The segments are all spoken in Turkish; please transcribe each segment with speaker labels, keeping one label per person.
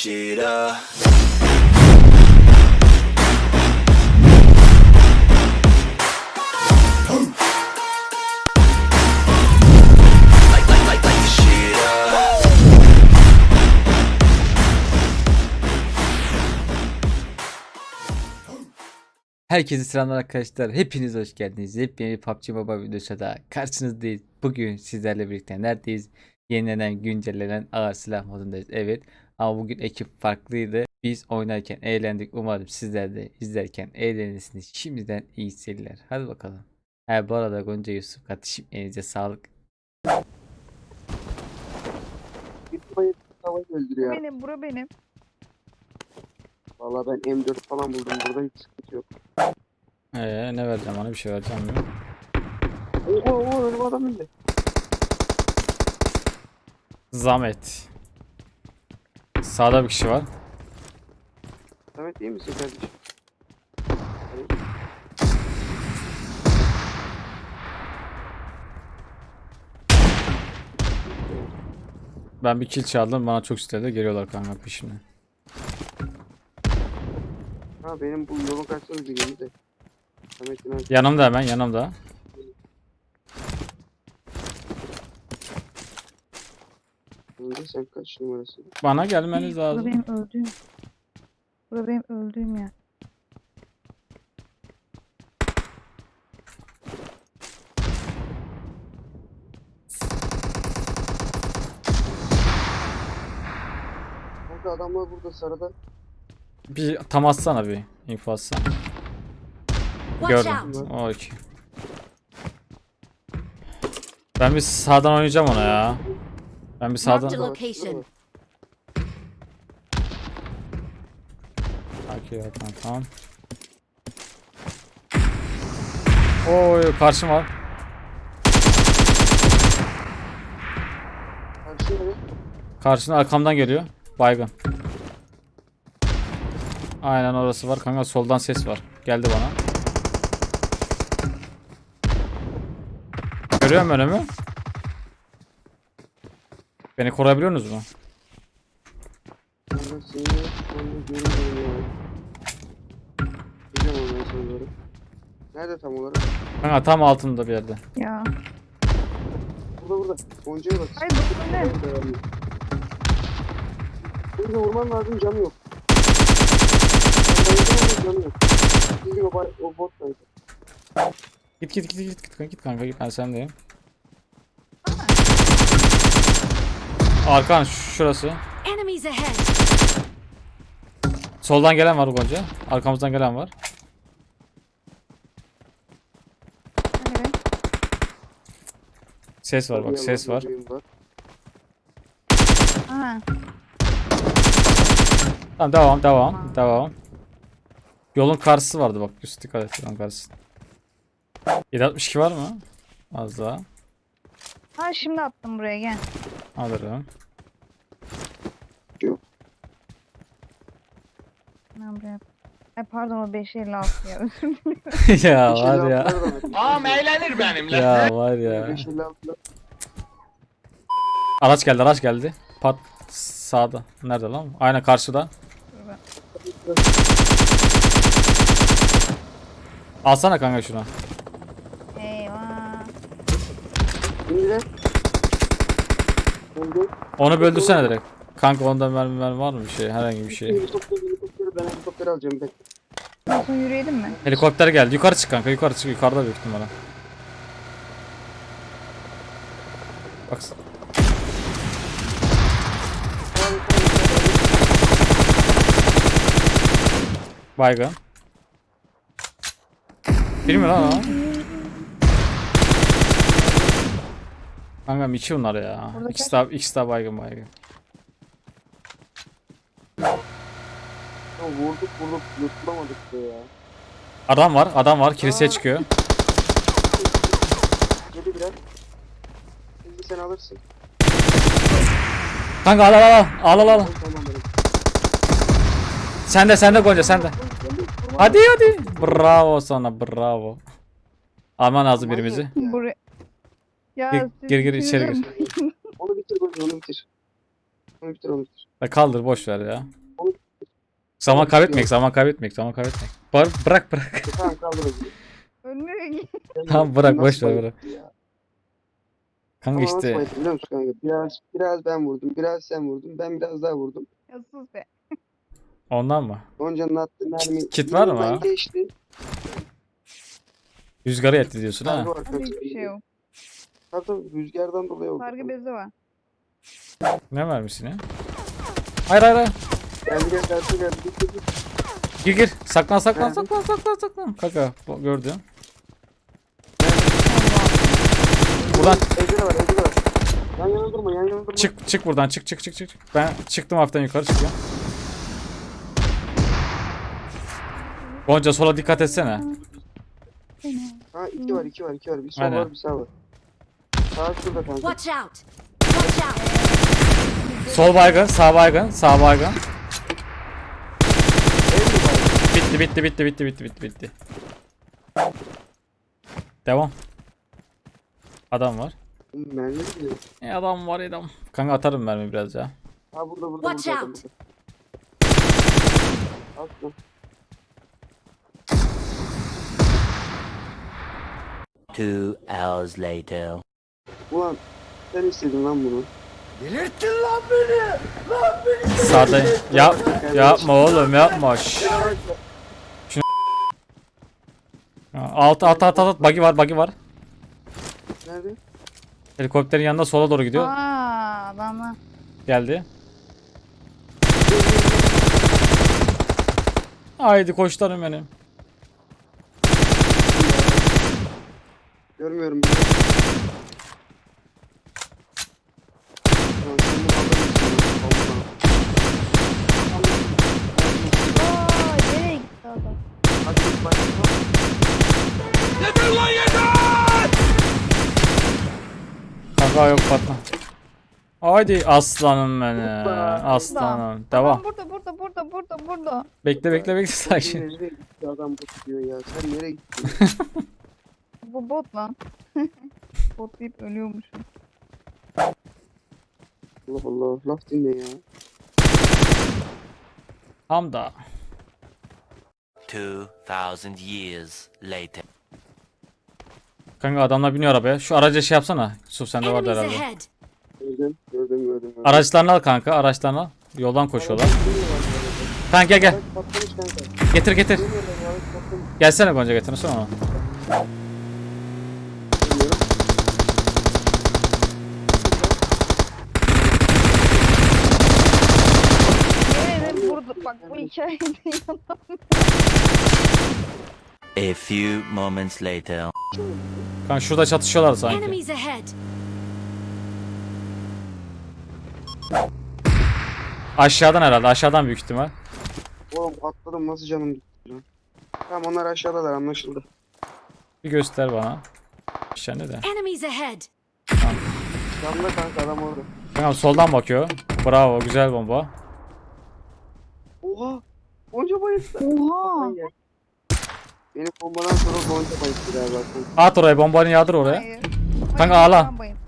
Speaker 1: shit up. Like the shit up.
Speaker 2: Herkese selamlar arkadaşlar. Hepiniz hoş geldiniz. Yepyeni bir PUBG Mobile videosuyla da karşınızdayız. Bugün sizlerle birlikte neredeyiz? Yenilenen, güncellenen ağır silah modundayız. Evet. Ama bugün ekip farklıydı. Biz oynarken eğlendik. Umarım sizler de izlerken eğlenirsiniz. Şimdiden iyi seyirler. Hadi bakalım. Bu arada Gonca Yusuf kardeşim elinize sağlık.
Speaker 3: Bir bayık tavayı öldürüyor.
Speaker 4: Benim, bura benim.
Speaker 3: Valla ben M4 falan buldum. Burada hiç sıkıntı yok.
Speaker 2: Ne vereceğim ona, bir şey vereceğim mi?
Speaker 3: Oo önüm adam indi.
Speaker 2: Zahmet. Sağda bir kişi var.
Speaker 3: Samet iyi misin kardeşim?
Speaker 2: Ben bir kill çaldım. Bana çok istedi. Geliyorlar kanka peşimden.
Speaker 3: Ha benim bu yolun karşısında bir gemi de. Samet'in abi.
Speaker 2: Yanımda, hemen yanımda.
Speaker 3: Önce sen kaç numarası?
Speaker 2: Bana gelmeniz
Speaker 4: Bura
Speaker 2: lazım.
Speaker 4: benim öldüğüm. Bura benim öldüğüm ya.
Speaker 3: Kanka adamlar burada sarıda.
Speaker 2: Bir tam atsana, bir info atsana.
Speaker 5: Watch
Speaker 2: Gördüm.
Speaker 5: out.
Speaker 2: Okey. Ben bir sağdan oynayacağım ona ya. Ben bir
Speaker 5: Marked a
Speaker 2: sağdan.
Speaker 5: location.
Speaker 2: Okey, tamam. Oy, karşım var.
Speaker 3: Karşıya ne?
Speaker 2: Karşına arkamdan geliyor. Baygın. Aynen orası var kanka, soldan ses var. Geldi bana. Görüyor musun önümü? Beni koruyabiliyorsunuz mu?
Speaker 3: Kanka seni şu anda görüyorum ya. Gideceğim ondan sonra doğru. Nerede tam olarak?
Speaker 2: Kanka tam altında bir yerde.
Speaker 4: Ya.
Speaker 3: Burada. Gonca'ya bak.
Speaker 4: Ay bu ne?
Speaker 3: Burada vurman lazım, canı yok. Canı yok. Çünkü o bot kaydı.
Speaker 2: Git kanka, git, ben sendeyim. Arkan şurası.
Speaker 5: Enemies ahead.
Speaker 2: Soldan gelen var Gonca. Arkamızdan gelen var.
Speaker 4: Evet.
Speaker 2: Ses var bak, ses var.
Speaker 4: Aha.
Speaker 2: Tamam, devam. Yolun karşısı vardı bak, üst dikkat et, yolun karşısı. 762 var mı? Az daha.
Speaker 4: Ha şimdi attım buraya gel.
Speaker 2: Alırım.
Speaker 4: Ben buraya. Ay pardon o 556 ya özür dilerim.
Speaker 2: Ya var ya.
Speaker 6: Ağam eğlenir benimle.
Speaker 2: Ya var ya.
Speaker 3: 556'lar.
Speaker 2: Araç geldi. Pat sağda. Nerede lan? Aynen karşıda. Alsana kanka şunu.
Speaker 4: Eyvah.
Speaker 3: İndiler. Oldu.
Speaker 2: Onu böldürsene direkt. Kanka onda mermi var mı bir şey? Herhangi bir şey.
Speaker 3: Helikopteri ben helikopteri alacağım bekle.
Speaker 4: Nasıl yürüyelim mi?
Speaker 2: Helikopter geldi. Yukarı çık kanka. Yukarı çık. Yukarıda büyük ihtimalle. Bak. Baygın. Biri mi lan o? Kankam iki bunlar ya.
Speaker 4: Burada
Speaker 2: İkisi daha baygın.
Speaker 3: Ya vurduk yutulamadık be ya.
Speaker 2: Adam var. Kiliseye çıkıyor.
Speaker 3: Yedi birer. Şimdi sen alırsın.
Speaker 2: Kanka al.
Speaker 3: Tamam benim.
Speaker 2: Sen de Gonca, sen de. Hadi. Bravo sana, bravo. Alman lazım birimizi.
Speaker 3: Ya.
Speaker 4: Buraya. Ya
Speaker 2: Gir içeri gir.
Speaker 3: Onu bitir.
Speaker 2: Ben Ya kaldır boş ver ya. Zaman kaybetmek, zaman kaybetmek, zaman kaybetmek. Bırak bırak.
Speaker 3: Tamam kaldır hadi.
Speaker 4: Ölmüyor ki.
Speaker 2: Tamam bırak boş
Speaker 3: Nasıl
Speaker 2: ver bırak.
Speaker 3: bayıldı ya?
Speaker 2: Kanka
Speaker 3: Ama nasıl
Speaker 2: işte
Speaker 3: bayıldı biliyor musun kanka? Biraz ben vurdum, biraz sen vurdun, ben biraz daha vurdum.
Speaker 4: Ya sus be.
Speaker 2: ondan mı?
Speaker 3: Gonca'nın attığı mermi
Speaker 2: Kit var mı?
Speaker 3: yanından geçti.
Speaker 2: Rüzgarı yetti diyorsun
Speaker 3: Sargı
Speaker 2: ha.
Speaker 3: var
Speaker 4: Hadi
Speaker 3: kanka.
Speaker 4: hiçbir şey yok.
Speaker 3: Tabii rüzgardan dolayı oldu.
Speaker 4: Sargı bezi var.
Speaker 2: Ne vermişsin ya? Hayır hayır hayır.
Speaker 3: Geldi geldi. Git.
Speaker 2: Gir. Saklan saklan
Speaker 3: Nerede?
Speaker 2: saklan. Kanka gördüm. Buradan
Speaker 3: Evde de var. Yan yana durma.
Speaker 2: çık buradan çık. Ben çıktım hafiften yukarı çıkıyorum. Gonca sola dikkat etsene.
Speaker 3: Ha iki var. Bir sol
Speaker 2: Aynen.
Speaker 3: var, bir sağ var. Sağ şurada kanka.
Speaker 5: Watch out! Watch out!
Speaker 2: Sol baygın, sağ baygın.
Speaker 3: Ev mi var?
Speaker 2: Bitti. Devam. Adam var.
Speaker 3: Mermi gidiyor.
Speaker 2: Adam var adam. Kanka atarım mermi biraz ya.
Speaker 3: Ha burada.
Speaker 5: Watch
Speaker 3: burada.
Speaker 5: out.
Speaker 3: Atma.
Speaker 1: Two hours later.
Speaker 3: Ulan sen istedin lan bunu.
Speaker 2: Sağda yapma oğlum yapma. Şşş. At. Buggy var.
Speaker 3: Nerede?
Speaker 2: Helikopterin yanında sola doğru gidiyor.
Speaker 4: Adamlar.
Speaker 2: Geldi. Haydi koçlarım benim.
Speaker 3: Görmüyorum. Ulan sen bunu adamısın ya.
Speaker 4: Nereye gitti adam?
Speaker 3: Hadi git bak.
Speaker 2: Kanka yok patla. Haydi aslanım benim. Aslanım. Devam.
Speaker 4: Adam burada.
Speaker 2: Bekle sakin.
Speaker 3: Nereye gitti adam bu diyor ya. Sen nereye gittin?
Speaker 4: Bu bot lan. Bot deyip ölüyormuşum.
Speaker 3: Allah Allah. Laf dinle ya.
Speaker 2: Hamda.
Speaker 1: 2,000 years later.
Speaker 2: Kanka adamlar biniyor arabaya. Şu araca şey yapsana. Yusuf sende vardı
Speaker 5: Enemies
Speaker 2: herhalde.
Speaker 5: ahead!
Speaker 3: Gördüm.
Speaker 2: Araçlarını al kanka. Araçlarını al. Yoldan koşuyorlar. Kanka gel.
Speaker 3: Araç patlamış kanka.
Speaker 2: Getir.
Speaker 3: Bilmiyorum, araç patlamış.
Speaker 2: Gelsene Gonca getirsene onu.
Speaker 3: Bilmiyorum.
Speaker 4: Yemin burada bak bu hikayede yalan.
Speaker 1: A few moments later.
Speaker 2: Kanka şurada çatışıyorlar sanki.
Speaker 5: Enemies ahead!
Speaker 2: Aşağıdan herhalde. Aşağıdan büyük ihtimal.
Speaker 3: Oğlum atladım nasıl canım gitti lan. Tamam onlar aşağıdalar anlaşıldı.
Speaker 2: Bir göster bana. Aşağıda de.
Speaker 5: Enemies ahead!
Speaker 3: Yanında kanka adam orada.
Speaker 2: Kanka soldan bakıyor. Bravo. Güzel bomba.
Speaker 3: Oha! Gonca bayıldı.
Speaker 4: Oha.
Speaker 3: Benim bombadan sonra Gonca bayıldı galiba.
Speaker 2: At oraya bombanı yağdır oraya.
Speaker 4: Hayır.
Speaker 2: Kanka
Speaker 4: Hayır,
Speaker 2: ağla.
Speaker 4: ben bayıldım.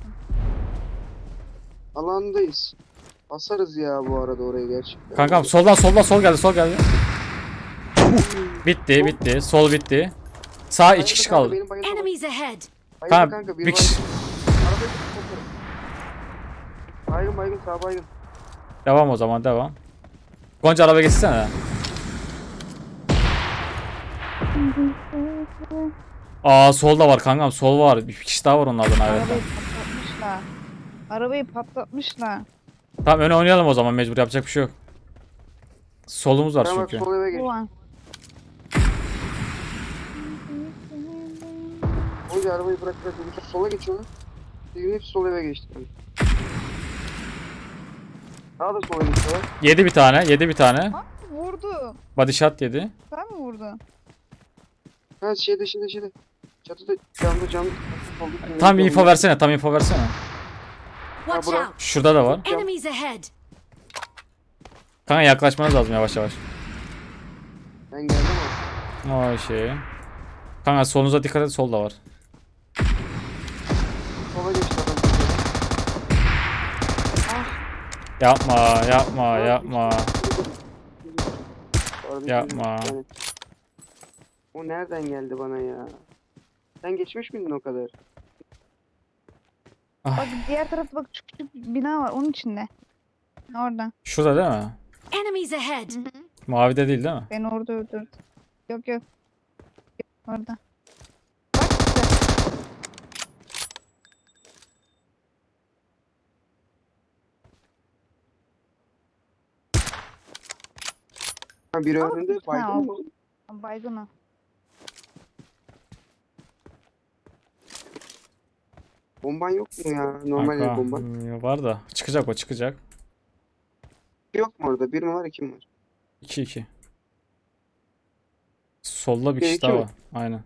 Speaker 3: Alandayız. Basarız ya bu arada oraya gerçekten.
Speaker 2: Kankam sol geldi. Bitti. Sol bitti. Sağ
Speaker 3: Bayıldı
Speaker 2: iki kişi
Speaker 3: kanka,
Speaker 2: kaldı.
Speaker 3: benim bayıldı.
Speaker 5: Enemies ahead!
Speaker 3: Bayıldı
Speaker 2: Kanka
Speaker 3: kanka,
Speaker 2: bir kişi.
Speaker 3: Arabayı tutun. Baygın sağ baygın.
Speaker 2: Devam o zaman devam. Gonca araba geçsene. Aa solda var kankam sol var. Bir kişi daha var onlardan evet.
Speaker 4: Arabayı patlatmışlar.
Speaker 2: Tamam öne oynayalım o zaman mecbur yapacak bir şey yok. Solumuz var
Speaker 3: Tamam bak
Speaker 2: çünkü.
Speaker 3: sol eve geç.
Speaker 4: Ulan.
Speaker 3: Gonca arabayı bırak. Yusuf sola geçiyorlar. Sizin hepsi sol eve geçti. Daha da sola geçiyorlar.
Speaker 2: Yedi bir tane.
Speaker 4: Ha, vurdu.
Speaker 2: Body shot yedi.
Speaker 4: Sen mi vurdun?
Speaker 3: Ha şeyde. Çatıda camda.
Speaker 2: Tam info versene.
Speaker 5: Watch
Speaker 3: bura-
Speaker 5: out!
Speaker 2: Şurada da var.
Speaker 5: Enemies ahead!
Speaker 2: Kanka yaklaşmanız lazım yavaş.
Speaker 3: Ben geldim ama.
Speaker 2: O şey. Kanka solunuza dikkat et solda var.
Speaker 3: Sola geçti adam.
Speaker 2: Yapma, yapma, yapma.
Speaker 3: Orada
Speaker 2: Yapma.
Speaker 3: bir tane- O nereden geldi bana ya? Sen geçmiş miydin o kadar?
Speaker 4: Bak diğer tarafta bak küçük bina var onun içinde. Orada.
Speaker 2: Şurada değil mi?
Speaker 5: Enemies ahead!
Speaker 2: Mavide değil mi?
Speaker 4: Beni orada öldürdü. Yok yok. Orada. Bak işte.
Speaker 3: Ha, biri önünde
Speaker 4: Ha,
Speaker 3: baydın mı?
Speaker 4: Baygın o.
Speaker 3: Bomban yok mu ya? Normal el
Speaker 2: Kanka,
Speaker 3: bomban.
Speaker 2: var da. Çıkacak o çıkacak.
Speaker 3: Yok mu orada? Bir mi var, iki mi var?
Speaker 2: 2-2. Solda bir
Speaker 3: Bir,
Speaker 2: kişi
Speaker 3: iki
Speaker 2: daha
Speaker 3: mi?
Speaker 2: var. Aynen.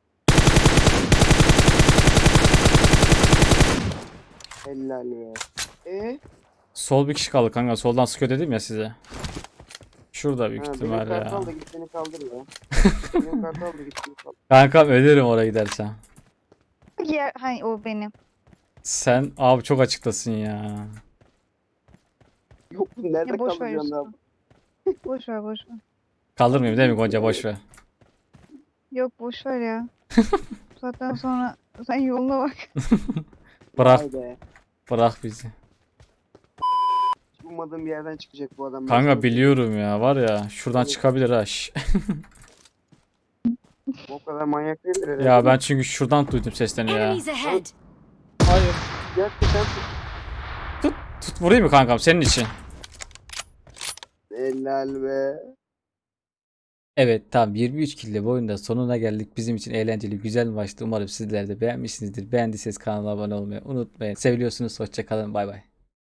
Speaker 3: Helal be.
Speaker 2: Sol bir kişi kaldı kanka. Soldan sıkıyor dedim ya size. Şurada büyük
Speaker 3: Ha, benim
Speaker 2: ihtimalle ya.
Speaker 3: kartal da git beni kaldır ya. Benim kartal da git beni kaldır.
Speaker 2: Kankam ölürüm oraya gidersen.
Speaker 4: Yer, hay o benim.
Speaker 2: Sen abi çok açıktasın ya.
Speaker 3: Yok nerede
Speaker 4: Ya boş ver
Speaker 3: kalacaksın
Speaker 4: Yusuf.
Speaker 3: abi?
Speaker 4: Boş ver boş ver.
Speaker 2: Kaldırmayayım değil mi Gonca, boş ver.
Speaker 4: Yok boş ver ya. Zaten sonra sen yoluna bak.
Speaker 2: Bırak
Speaker 3: Vay be.
Speaker 2: bırak bizi.
Speaker 3: Hiç ummadığım bir yerden çıkacak bu adam. Ben
Speaker 2: Kanka
Speaker 3: sana
Speaker 2: biliyorum ya, var ya şuradan
Speaker 3: Evet.
Speaker 2: çıkabilir ha. şş.
Speaker 3: söyleyeyim. O kadar manyak değildir herhalde.
Speaker 2: Ya ben çünkü şuradan duydum seslerini ya.
Speaker 5: Enemies ahead!
Speaker 2: Hayır.
Speaker 3: Gerçekten
Speaker 2: Tut vurayım mı kankam senin için?
Speaker 3: helal be.
Speaker 2: Evet tamam, 23 kill bu oyunda sonuna geldik. Bizim için eğlenceli güzel bir maçtı. Umarım sizler de beğenmişsinizdir. Beğendiyseniz kanala abone olmayı unutmayın. Seviliyorsunuz. Hoşça kalın. Bay bay.